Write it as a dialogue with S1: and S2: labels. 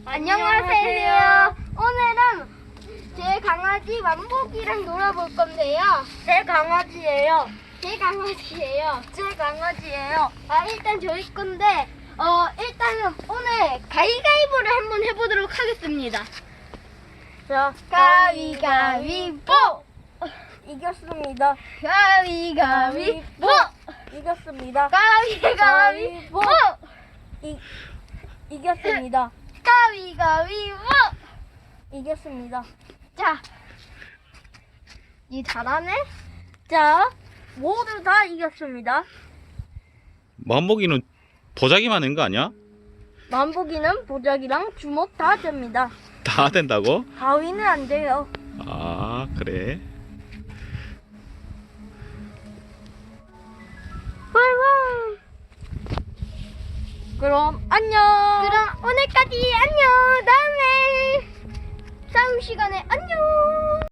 S1: 안녕하세요. 오늘은 제 강아지 만복이랑 놀아볼 건데요.
S2: 제 강아지예요.
S1: 제 강아지예요.
S2: 제 강아지예요.
S1: 일단 저희 건데, 일단은 오늘 가위가위보를 한번 해보도록 하겠습니다.
S2: 자,
S1: 가위가위보!
S2: 이겼습니다.
S1: 가위가위보!
S2: 이겼습니다.
S1: 가위가위보!
S2: 이겼습니다.
S1: 가위가위보!
S2: 이겼습니다.
S1: 자, 이 잘하네?
S2: 자, 모두 다 이겼습니다.
S3: 만복이는 보자기만 한 거 아니야?
S2: 만복이는 보자기랑 주먹 다 됩니다.
S3: 다 된다고?
S2: 가위는 안 돼요.
S3: 아, 그래.
S2: 그럼 안녕.
S1: 그럼 오늘까지 안녕! 다음에 싸움 시간에 안녕!